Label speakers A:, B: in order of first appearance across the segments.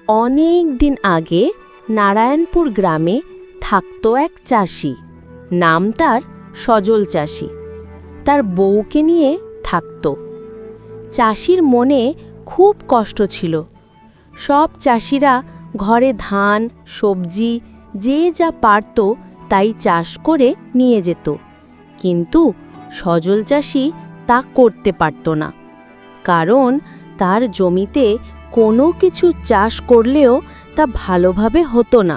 A: অনেক দিন আগে নারায়ণপুর গ্রামে থাকত এক চাষি। নাম তার সজল চাষি। তার বউকে নিয়ে থাকত। চাষির মনে খুব কষ্ট ছিল। সব চাষিরা ঘরে ধান, সবজি যে যা পারত তাই চাষ করে নিয়ে যেত, কিন্তু সজল চাষি তা করতে পারত না। কারণ তার জমিতে কোনো কিছু চাষ করলেও তা ভালোভাবে হতো না।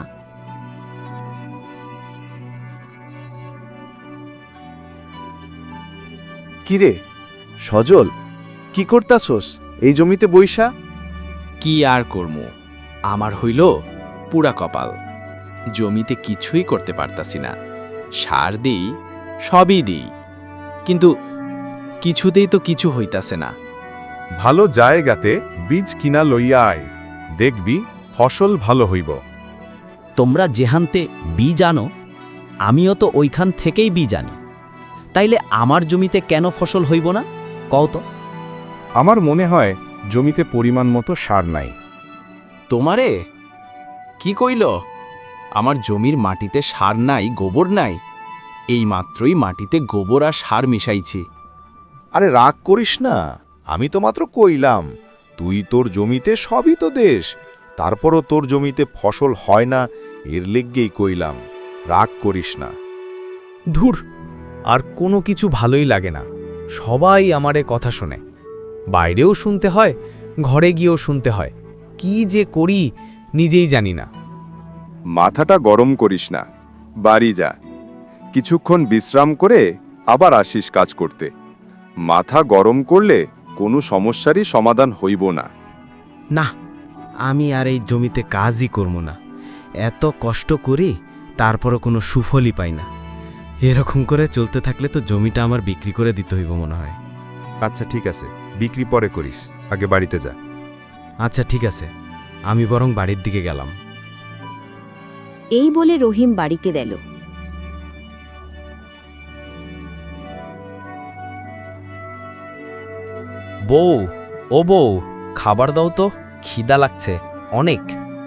B: কিরে সজল, কি করতাছস এই জমিতে বইসা?
C: কি আর করমু, আমার হইল পুরা কপাল। জমিতে কিছুই করতে পারতাছি না। সার দিই, সবই দিই, কিন্তু কিছুতেই তো কিছু হইতাছে না।
D: ভালো জায়গাতে বীজ কিনা লইয়া আয়, দেখবি ফসল ভালো হইব।
E: তোমরা যেহান্তে বীজ আনো, আমিও তো ওইখান থেকেই বীজ আনি। তাইলে আমার জমিতে কেন ফসল হইব না, কও তো?
D: আমার মনে হয় জমিতে পরিমাণ মতো সার নাই।
C: তোমারে কি কইল? আমার জমির মাটিতে সার নাই, গোবর নাই। এই মাত্রই মাটিতে গোবর আর সার মিশাইছি।
B: আরে রাগ করিস না, আমি তো মাত্র কইলাম। তুই তোর জমিতে সবই তো দেশ, তারপরও তোর জমিতে ফসল হয় না, এর লেগেই কইলাম। রাগ করিস না।
F: ধুর, আর কোনো কিছু ভালোই লাগে না। সবাই আমারে কথা শোনে, বাইরেও শুনতে হয়, ঘরে গিয়েও শুনতে হয়। কি যে করি নিজেই জানি না।
D: মাথাটা গরম করিস না, বাড়ি যা, কিছুক্ষণ বিশ্রাম করে আবার আসিস কাজ করতে। মাথা গরম করলে কোনো সমস্যারই সমাধান হইব না।
F: না, আমি আর এই জমিতে কাজই করব না। এত কষ্ট করি, তারপরও কোনো সুফলই পাই না। এরকম করে চলতে থাকলে তো জমিটা আমার বিক্রি করে দিতে হইব মনে হয়।
D: আচ্ছা ঠিক আছে, বিক্রি পরে করিস, আগে বাড়িতে যা।
F: আচ্ছা ঠিক আছে, আমি বরং বাড়ির দিকে গেলাম।
A: এই বলে রহিম বাড়িতে গেল।
E: বউ, ও বউ, খাবার দাও তো, খিদা লাগছে অনেক।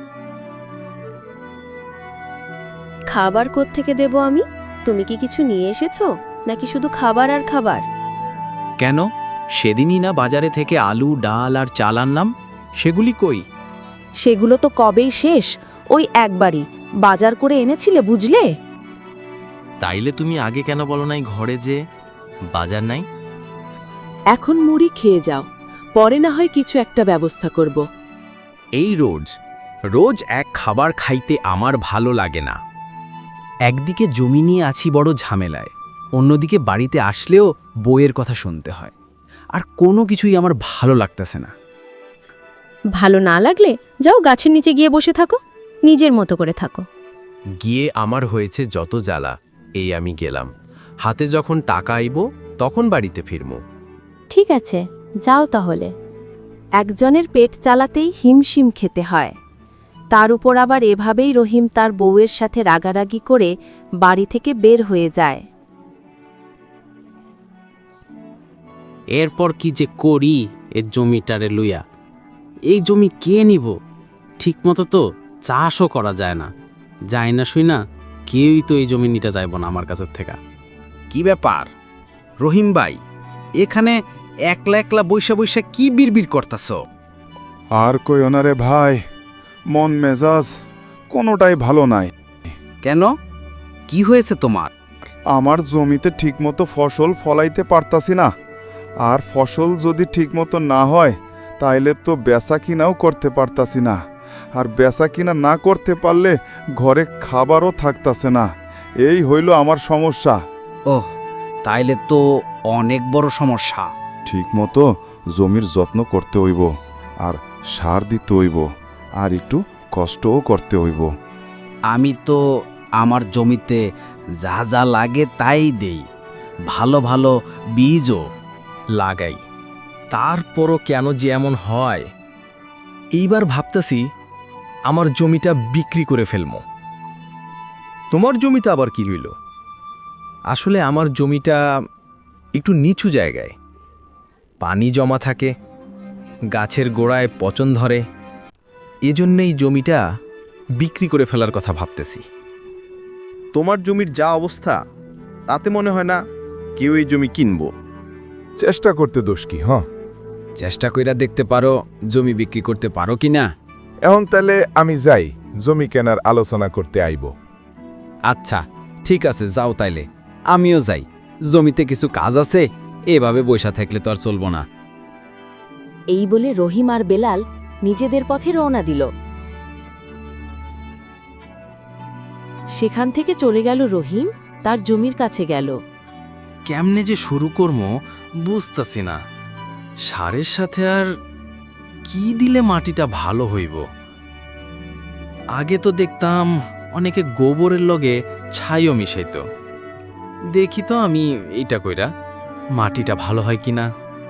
A: খাবার কোত্থেকে দেব আমি? তুমি কি কিছু নিয়ে এসেছো, নাকি শুধু খাবার আর খাবার?
C: কেন, সেদিনই না বাজারে থেকে আলু, ডাল আর চাল আনলাম, সেগুলি কই?
A: সেগুলো তো কবেই শেষ। ওই একবারই বাজার করে এনেছিলে, বুঝলে?
E: তাইলে তুমি আগে কেন বলো নাই ঘরে যে বাজার নাই?
A: এখন মুড়ি খেয়ে যাও, পরে না হয় কিছু একটা ব্যবস্থা করব।
E: এই রোজ রোজ এক খাবার খাইতে আমার ভালো লাগে না। একদিকে জমি নিয়ে আছি বড় ঝামেলায়, অন্যদিকে বাড়িতে আসলেও বইয়ের কথা শুনতে হয়। আর কোনো কিছুই আমার ভালো লাগতেছে না।
A: ভালো না লাগলে যাও গাছের নিচে গিয়ে বসে থাকো, নিজের মতো করে থাকো।
C: গিয়ে আমার হয়েছে যত জ্বালা। এই আমি গেলাম, হাতে যখন টাকা আইব তখন বাড়িতে ফিরমু।
A: ঠিক আছে, যাও তাহলে। একজনের পেট চালাতেই হিমশিম খেতে হয়, তার উপর আবার এভাবেই রহিম তার বউয়ের সাথে রাগারাগি করে বাড়ি থেকে বের হয়ে যায়।
G: এরপর কি যে করি এ জমিটারে লইয়া? এই জমি কে নিব? ঠিকমতো তো চাষও করা যায় না। যায় না শুই না, কেউই তো এই জমি নিতে যাইব না আমার কাছের থেকে।
C: কি ব্যাপার রহিম ভাই, এখানে একলা একলা বৈশা বৈশা কি বিড়বিড় করতাছ?
D: আর কই ওনারে ভাই, মন মেজাজ কোনোটাই ভালো নাই।
C: কেন, কি হয়েছে তোমার?
D: আমার জমিতে ঠিকমতো ফসল ফলাইতে পারতাছি না, আর ফসল যদি ঠিকমতো না হয় তাইলে তো বেচা কিনাও করতে পারতাছি না, আর বেচা কিনা না করতে পারলে ঘরে খাবারও থাকতাছে না। এই হইল আমার সমস্যা।
C: ওহ, তাইলে তো অনেক বড় সমস্যা।
D: ঠিকমতো জমির যত্ন করতে হইব, আর সার দিতে হইব, আর একটু কষ্টও করতে হইব।
G: আমি তো আমার জমিতে যা যা লাগে তাই দেই, ভালো ভালো বীজও
E: লাগাই, তারপরও কেন যে এমন হয়? এইবার ভাবতেছি আমার জমিটা বিক্রি করে ফেলবো। তোমার জমিতে আবার কি হইল? আসলে আমার জমিটা একটু নিচু জায়গায়, পানি জমা থাকে, গাছের গোড়ায় পচন ধরে, এজন্যই জমিটা বিক্রি করে ফেলার কথা ভাবতেছি। তোমার জমির যা অবস্থা তাতে মনে হয় না কেউ এই জমি কিনবো।
B: চেষ্টা করতে দোষ কি?
H: চেষ্টা কইরা দেখতে পারো জমি বিক্রি করতে পারো কি না।
B: এখন তাহলে আমি যাই, জমি কেনার আলোচনা করতে আইব।
H: আচ্ছা ঠিক আছে, যাও তাইলে। আমিও যাই, জমিতে কিছু কাজ আছে, এভাবে বৈশা থাকলে তো আর চলবো না।
A: এই বলে রহিম আর বেলাল নিজেদের পথে রওনা দিল। সেখান থেকে চলে গেল রহিম, তার জমির কাছে গেল।
C: কেমনে যে শুরু করবো বুঝতাছি না। সারের সাথে আর কি দিলে মাটিটা ভালো হইব? আগে তো দেখতাম অনেকে গোবরের লগে ছাইও মিশাইত। দেখি তো আমি এইটা কইরা মাটিটা ভালো হয় কিনা।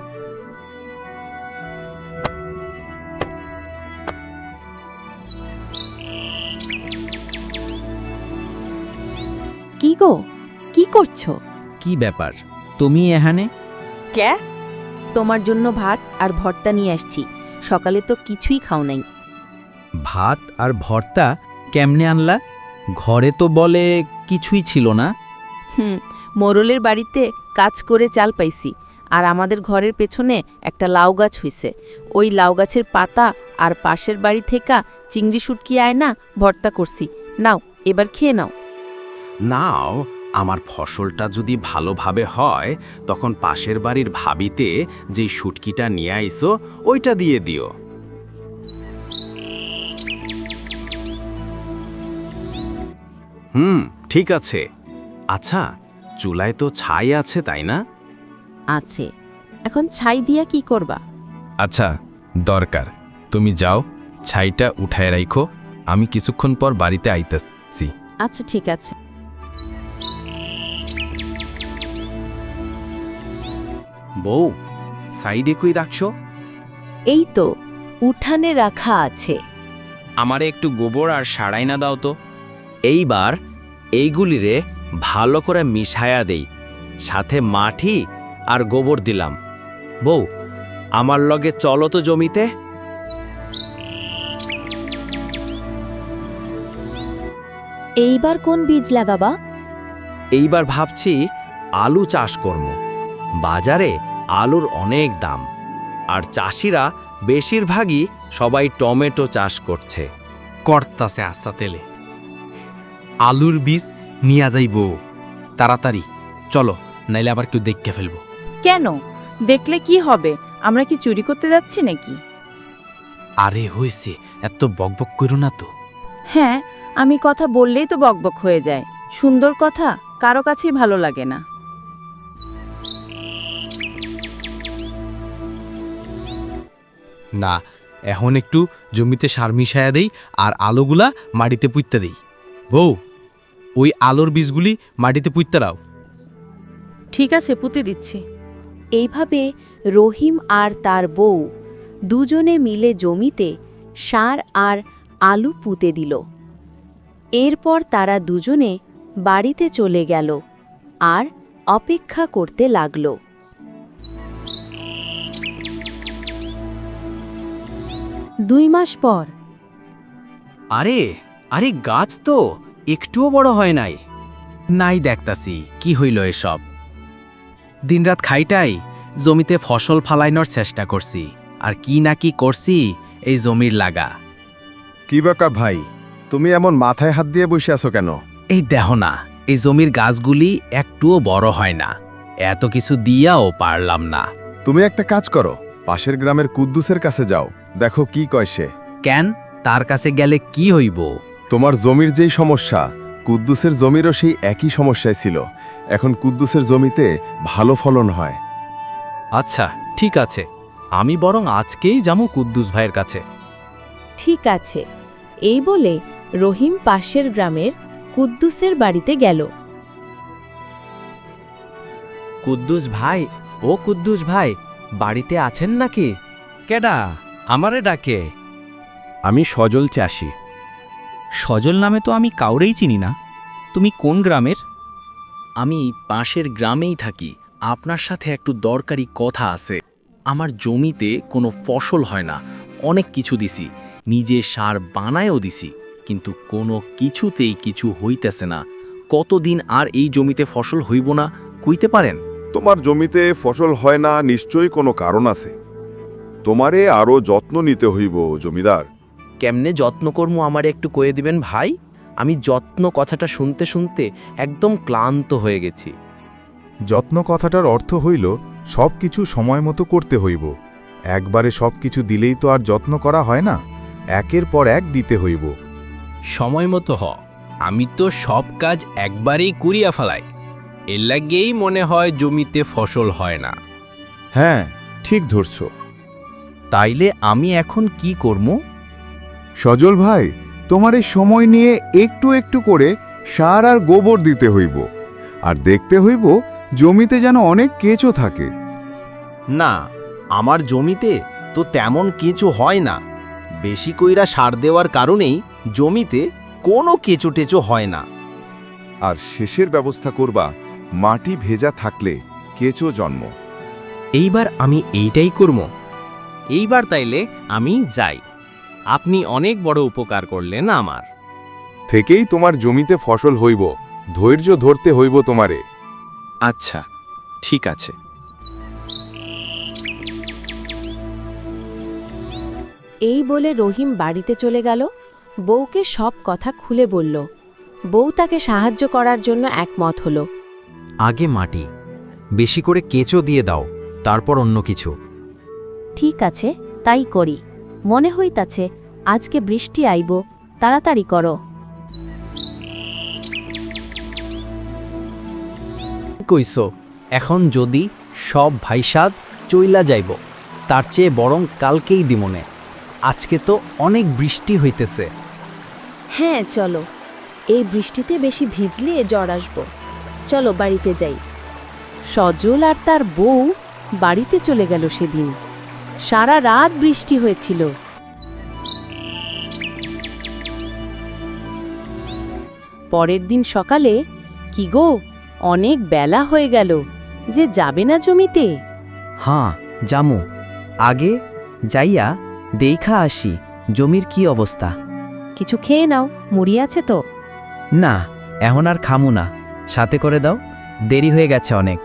A: কি গো, কি করছো?
G: কি ব্যাপার তুমি এখানে?
A: ক্যা? তোমার জন্য ভাত আর ভর্তা নিয়ে আসছি। সকালে তো কিছুই খাও নাই।
G: ভাত আর ভর্তা কেমনে আনলা? ঘরে তো বলে কিছুই ছিল না।
A: মোরলের বাড়িতে কাজ করে চাল পাইছি, আর আমাদের ঘরের পেছনে একটা লাউ গাছ হইছে। ওই লাউ গাছের পাতা আর পাশের বাড়ি থেকে চিংড়ি শুটকি আয় না, ভর্তা করছি। নাও, এবার খেয়ে নাও।
C: নাও, আমার ফসলটা যদি ভালোভাবে হয় তখন পাশের বাড়ির ভাবিতে যেই শুটকিটা নিয়ে আইসো ওইটা দিয়ে দিও। ঠিক আছে। আচ্ছা, চুলায় তো ছাই আছে তাই না?
A: আছে। এখন ছাই দিয়া কি করবা?
E: আচ্ছা, দরকার তুমি যাও, ছাইটা উঠায় রাখো, আমি কিছুক্ষণ পর বাড়িতে আইতেছি।
A: আচ্ছা ঠিক আছে।
C: বউ, সাইডে কই রাখছো?
A: এই তো উঠানে রাখা আছে।
C: আমারে একটু গোবর আর সারাইনা দাও তো।
G: এইবার এইগুলিরে ভালো করে মিশায়া দেই, সাথে মাটি আর গোবর দিলাম। বউ, আমার লগে চলো তো জমিতে।
A: এইবার কোন বীজ লাগাবা?
G: এইবার ভাবছি আলু চাষ করব। বাজারে আলুর অনেক দাম, আর চাষিরা বেশিরভাগই সবাই টমেটো চাষ করছে।
C: করতাছে আস্তা তেলে। আলুর বীজ নিয়া যাইব তাড়াতাড়ি, চলো, নাইলে আবার কেউ দেখতে ফেলবো।
I: কেন? দেখলে কি হবে? আমরা কি চুরি করতে যাচ্ছি নাকি?
C: আরে হইছে, এত বকবক করো না তো।
I: হ্যাঁ, আমি কথা বললেই তো বকবক হয়ে যায়। সুন্দর কথা কারো কাছেই ভালো লাগে না।
E: না, এখন একটু জমিতে সার মিশায়া দেই আর আলুগুলা মাটিতে পুঁততে দেই। বউ, ওই আলুর বীজগুলি মাটিতে পুঁততে দাও।
I: ঠিক আছে, পুঁতে দিচ্ছি।
A: এইভাবে রহিম আর তার বউ দুজনে মিলে জমিতে সার আর আলু পুঁতে দিল। এরপর তারা দুজনে বাড়িতে চলে গেল আর অপেক্ষা করতে লাগল। 2 মাস পর।
G: আরে আরে, গাছ তো একটুও বড় হয় নাই। নাই দেখতাছি কি হইল এসব। দিনরাত খাইটাই জমিতে ফসল ফালাইনোর চেষ্টা করছি, আর কি না কি করছি এই জমির লাগা।
D: কি বাকা ভাই, তুমি এমন মাথায় হাত দিয়ে বসে আছো কেন?
G: এই দেখো না, এই জমির গাছগুলি একটুও বড় হয় না। এত কিছু দিয়াও পারলাম না।
D: তুমি একটা কাজ করো, পাশের গ্রামের কুদ্দুসের কাছে যাও, দেখো কি কয় সে।
G: কেন, তার কাছে গেলে কি হইব?
D: তোমার জমির যেই সমস্যা, কুদ্দুসের জমিরও সেই একই সমস্যায় ছিল। এখন কুদ্দুসের জমিতে ভালো ফলন হয়।
E: আচ্ছা ঠিক আছে, আমি বরং আজকেই যাবো কুদ্দুস ভাইয়ের কাছে।
A: ঠিক আছে, এই বলে রহিম পাশের গ্রামের কুদ্দুসের বাড়িতে গেল।
F: কুদ্দুস ভাই, ও কুদ্দুস ভাই, বাড়িতে আছেন নাকি?
G: কেডা আমারে ডাকে?
E: আমি সজল চাষি।
F: সজল নামে তো আমি কাউরেই চিনি না। তুমি কোন গ্রামের?
C: আমি পাশের গ্রামেই থাকি। আপনার সাথে একটু দরকারি কথা আছে। আমার জমিতে কোনো ফসল হয় না, অনেক কিছু দিছি,
E: নিজে সার বানায়ও দিছি, কিন্তু কোনো কিছুতেই কিছু হইতেছে না। কতদিন আর এই জমিতে ফসল হইব না কইতে পারেন?
D: তোমার জমিতে ফসল হয় না নিশ্চয়ই কোনো কারণ আছে। তোমারে আরও যত্ন নিতে হইব জমিদার।
F: কেমনে যত্ন কর্ম আমারে একটু কয়ে দিবেন ভাই? আমি যত্ন কথাটা শুনতে শুনতে একদম ক্লান্ত হয়ে গেছি।
J: যত্ন কথাটার অর্থ হইল সব কিছু সময় মতো করতে হইব। একবারে সব কিছু দিলেই তো আর যত্ন করা হয় না, একের পর এক দিতে হইব।
E: সময় মতো আমি তো সব কাজ একবারেই করিয়া ফেলাই, এর লাগেই মনে হয় জমিতে ফসল হয় না।
J: হ্যাঁ, ঠিক ধরছ।
E: তাইলে আমি এখন কি করব?
D: সজল ভাই, তোমার এই সময় নিয়ে একটু একটু করে সার আর গোবর দিতে হইব, আর দেখতে হইব জমিতে যেন অনেক কেঁচো থাকে।
F: না, আমার জমিতে তো তেমন কিছু হয় না। বেশি কইরা সার দেওয়ার কারণেই জমিতে কোনো কেঁচো টেচো হয় না।
D: আর শেষের ব্যবস্থা করবা মাটি ভেজা থাকলে কেঁচো জন্ম।
F: এইবার আমি এইটাই করব।
G: এইবার তাইলে আমি যাই। আপনি অনেক বড় উপকার করলেন আমার।
J: থেকেই তোমার জমিতে ফসল হইব, ধৈর্য ধরতে হইব তোমারে।
C: আচ্ছা, ঠিক আছে।
A: এই বলে রহিম বাড়িতে চলে গেল। বউকে সব কথা খুলে বলল। বউ তাকে সাহায্য করার জন্য একমত হল।
H: আগে মাটি, বেশি করে কেঁচো দিয়ে দাও, তারপর অন্য কিছু।
I: ঠিক আছে, তাই করি। মনে হইতাছে আজকে বৃষ্টি আইব, তাড়াতাড়ি করো।
F: কইছো এখন যদি সব ভাইসাদ চইলা যাইব, তার চেয়ে বরং কালকেই দিমনে। আজকে তো অনেক বৃষ্টি হইতেছে।
A: হ্যাঁ, চলো। এই বৃষ্টিতে বেশি ভিজলে জ্বর আসব। চলো বাড়িতে যাই। সজল আর তার বউ বাড়িতে চলে গেল সেদিন। সারা রাত বৃষ্টি হয়েছিল। পরের দিন সকালে, কি গো, অনেক বেলা হয়ে গেল, যে যাবে না জমিতে?
F: হ্যাঁ, জামু। আগে যাইয়া দেইখা আসি জমির কি অবস্থা।
I: কিছু খেয়ে নাও, মুড়ি আছে তো?
F: না, এখন আর খামু না, সাথে করে দাও, দেরি হয়ে গেছে অনেক।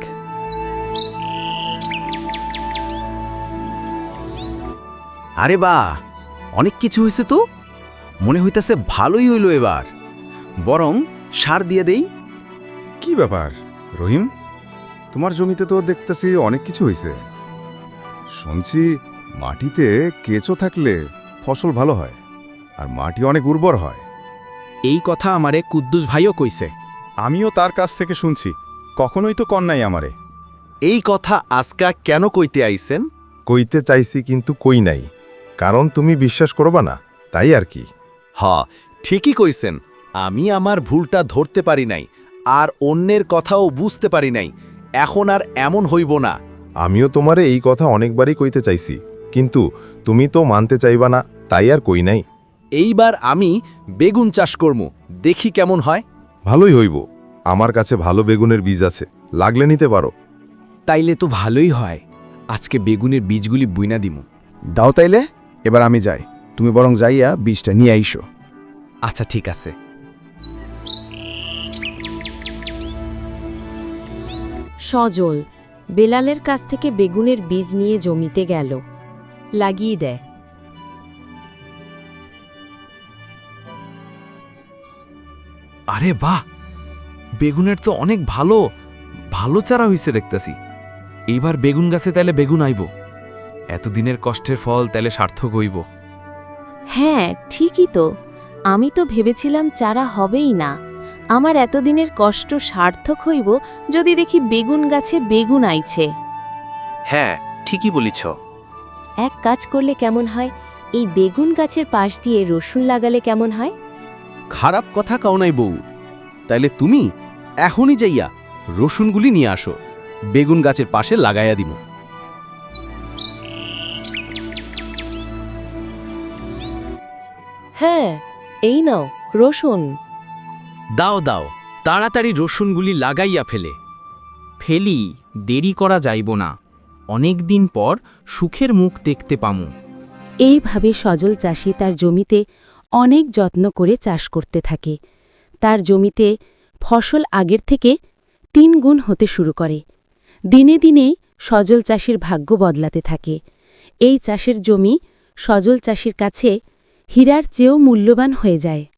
H: আরে বাহ, অনেক কিছু হয়েছে তো। মনে হইতেছে ভালোই হইল এবার। বরং সার দিয়ে দেই।
D: কি ব্যাপার রহিম, তোমার জমিতে তো দেখতেছি অনেক কিছু হয়েছে। শুনছি মাটিতে কেঁচো থাকলে ফসল ভালো হয়, আর মাটি অনেক উর্বর হয়।
C: এই কথা আমারে কুদ্দুস ভাইও কইছে।
D: আমিও তার কাছ থেকে শুনছি, কখনোই তো কন নাই আমারে।
E: এই কথা আজকা কেন কইতে আইছেন?
J: কইতে চাইছি কিন্তু কই নাই, কারণ তুমি বিশ্বাস করবা না, তাই আর কি।
E: ঠিকই কইছেন। আমি আমার ভুলটা ধরতে পারি নাই, আর অন্যের কথাও বুঝতে পারি নাই। এখন আর এমন হইব না।
J: আমিও তোমারে এই কথা অনেকবারই কইতে চাইছি, কিন্তু তুমি তো মানতে চাইবা না, তাই আর কই নাই।
E: এইবার আমি বেগুন চাষ করব, দেখি কেমন হয়।
J: ভালোই হইব, আমার কাছে ভালো বেগুনের বীজ আছে, লাগলে নিতে পারো।
C: তাইলে তো ভালোই হয়। আজকে বেগুনের বীজগুলি বুইনা দিমু।
K: দাও তাইলে, এবার আমি যাই, তুমি বরং যাইয়া বীজটা নিয়ে আইসো।
C: আচ্ছা, ঠিক আছে।
A: সজল বেলালের কাছ থেকে বেগুনের বীজ নিয়ে জমিতে গেল। লাগিয়ে দেয়।
C: আরে বাহ, বেগুনের তো অনেক ভালো ভালো চারা হইছে দেখতেছি। এইবার বেগুন গাছে তাইলে বেগুন আইব। এতদিনের কষ্টের ফল তাইলে সার্থক হইব।
A: হ্যাঁ, ঠিকই তো। আমি তো ভেবেছিলাম চারা হবেই না। আমার এতদিনের কষ্ট সার্থক হইব যদি দেখি বেগুন গাছে বেগুন আইছে।
C: হ্যাঁ, ঠিকই বলিছ।
A: এক কাজ করলে কেমন হয়, এই বেগুন গাছের পাশ দিয়ে রসুন লাগালে কেমন হয়?
E: খারাপ কথা কাও নাই বউ। তাইলে তুমি এখনই যাইয়া রসুনগুলি নিয়ে আসো, বেগুন গাছের পাশে লাগাইয়া দিব।
A: হ্যাঁ, এই নাও রসুন।
E: দাও দাও, তাড়াতাড়ি রসুনগুলি লাগাইয়া ফেলে।
G: ফেলি, দেরি করা যাইব না। অনেক দিন পর সুখের মুখ দেখতে পামু।
A: এইভাবে সজল চাষি তার জমিতে অনেক যত্ন করে চাষ করতে থাকে। তার জমিতে ফসল আগের থেকে 3 গুণ হতে শুরু করে। দিনে দিনে সজল চাষির ভাগ্য বদলাতে থাকে। এই চাষের জমি সজল চাষির কাছে হীরার চেয়েও মূল্যবান হয়ে যায়।